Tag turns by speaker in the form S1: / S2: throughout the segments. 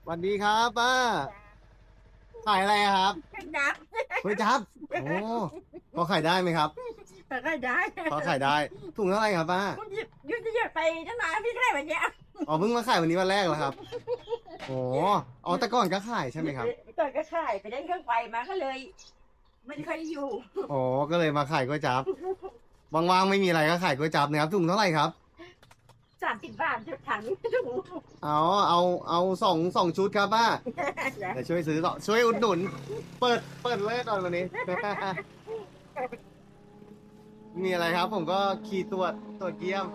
S1: สวัสดีครับป้าขายอะไรอะครับ
S2: นับ
S1: ก๋วยจั๊บโอ้พอขายได้ไหมครับ
S2: แต่ก็ได้
S1: พอขายได้ถุงเท่าไหร่ครับป้า
S2: คุณหยุดจะหยุดไปตั้งนานพี่ได้แบบเนี้ย
S1: อ๋อเพิ่งมาขายวันนี้วันแรกเหรอครับโอ้อ๋อแต่ก่อนก็ขายใช่ไหมครับ
S2: ก่อนก็ขายไปได้เครื่องไฟมาก็เลยไม่ค่อยอยู่
S1: อ๋อก็เลยมาขายก๋วยจั๊บว่างๆไม่มีอะไรก็ขายก๋วยจั๊บนะครับถุงเท่าไหร่ครับ
S2: 30 บาทจุดถังถุง
S1: เอาเอาสองชุดครับป้าเดี๋ยวช่วยซื้อต่อช่วยอุดหนุนเปิดเลยตอนวันนี้ มีอะไรครับผมก็ขี่ตรวจเยี่ยม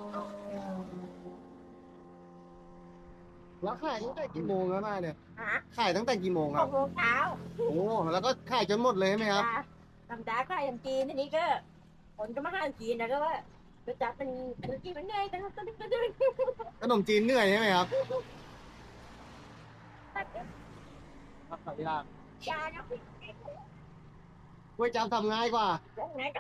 S1: แล้วขายตั้งแต่กี่โมงแล้วมาเนี่ย
S2: ฮะ
S1: ขายตั้งแต่กี่โมงค
S2: ห
S1: รับ
S2: กโมงเช้า
S1: โอ้แล้วก็ขายจนหมดเลยใช่ไหมครับ
S2: ธรรมดาขายขนมจีนทีนี้ก็คนก็มาขายขนมจีนนะก็ว่าก็จับเป็นขนมจีนมันง่ายแต่ก็ต้องก็ต้อง
S1: ขนมจีนเหนื่อยใช่ไหมครับครับขายยาก
S2: ยาเนาะ
S1: ก๋วยจั๊บทำง่ายกว่า
S2: ไหนก็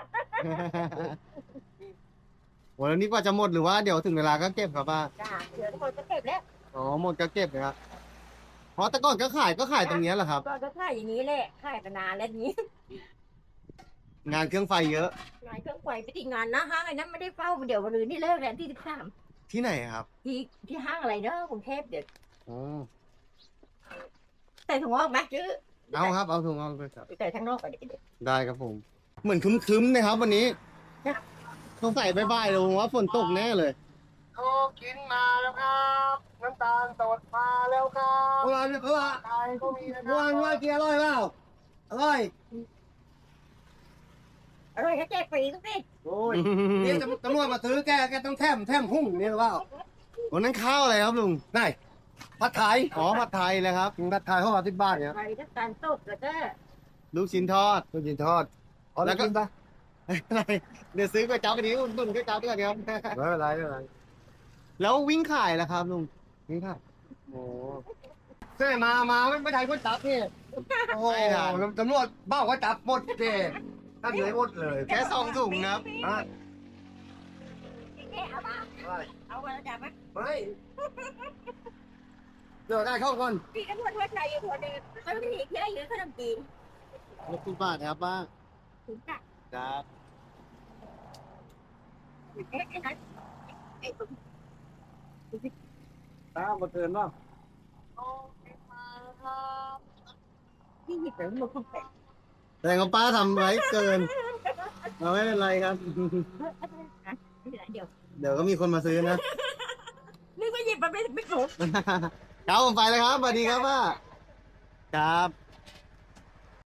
S1: โหแล้วนี่กว่าจะหมดหรือว่าเดี๋ยวถึงเวลาก็เก็บครับป้า
S2: จ้าเดี๋ยวคนก็เก็บแล้ว
S1: อ๋อหมดก็เก็บนะครับเพราะแต่ก่อนก็ขายตรงเนี้ยแหละครับ
S2: ก็ขายอย่างนี้แหละขายมานานแล้วนี้
S1: งานเครื่องไฟเยอะ
S2: งานเครื่องไฟไปที่งานนะห้างไอ้นั้นไม่ได้เฝ้าเดี๋ยววันอื่นนี่เลิกแล้วที่13
S1: ที่ไหนครับ
S2: ที่ห้างอะไรเนอะกรุงเทพเดี๋ยว
S1: อ๋อ
S2: ใส่ถุงออกไหมจื้อ
S1: เอาครับเอาถุงเอาไปครับ
S2: ใส่ข้างนอกก่อนเดี๋ยว
S1: ได้ครับผม เหมือนครึ้มๆนะครับวันนี้สงสัยบ่ายๆเลยผมว่าฝนตกแน่เลยโคกินมาแล้วครับน้ำตาลสดมาแล้วครับเมื่อวานไทยก็มีนะครับเมื่อวานกินอร่อยเปล่าอร่อย
S2: อร่อยก็แจกฟรีทุกที
S1: โอ้ยนี่ตำรวจมาซื้อแกต้องแถมหุ้งนี่หรือเปล่าวันนั้นข้าวอะไรครับลุงได้ผัดไทยอ๋อผัดไทยเลยครับผัดไทยเขา10 บาทเนี่ย
S2: ไปน้ำตาลสดแล้วก็
S1: ลูกชิ้นทอดลูกชิ้นทอดแล้วก็เดี๋ยวซื้อก๋วยจั๊บอันนี้อุ่นก๋วยจั๊บด้วยกันครับไม่เป็นไรไม่เป็นไรแล้ววิ่งขายแล้วครับลุงวิ่งขายโอ้เซ่มาไม่ไทยก๋วยจั๊บนี่โอ้โหตำรวจบ้าก๋วยจั๊บหมดเจ๊ท่านเลยหมดเลยแค่2 ถุงครับ
S2: แค่เอามาเอามาแล้วจับไหม
S1: ไม่เดี๋ยวได้เข้าก่อน
S2: พี่ก็พูดว่าใจอยู่คนหนึ่งเขาไม่ได้เที่ยวเยอะขนมจีน
S1: 60 บาทครับป้า
S2: ถึงจ้ะ
S1: ครับ
S2: ไอ้นั้นไอ้ตุ้ม
S1: ป้ามาเตือนป่ะ
S2: ที่หยิบไปมันคงแปลก
S1: แต่ของป้าทำไว้เกินเราไม่เป็นไรครับ
S2: เดี๋ยว
S1: เดี๋ยวก็มีคนมาซื้อนะ
S2: นึกว่าหยิบมันไม่ถูก
S1: ครับผมไปเลยครับสวัสดีครับป้าครับ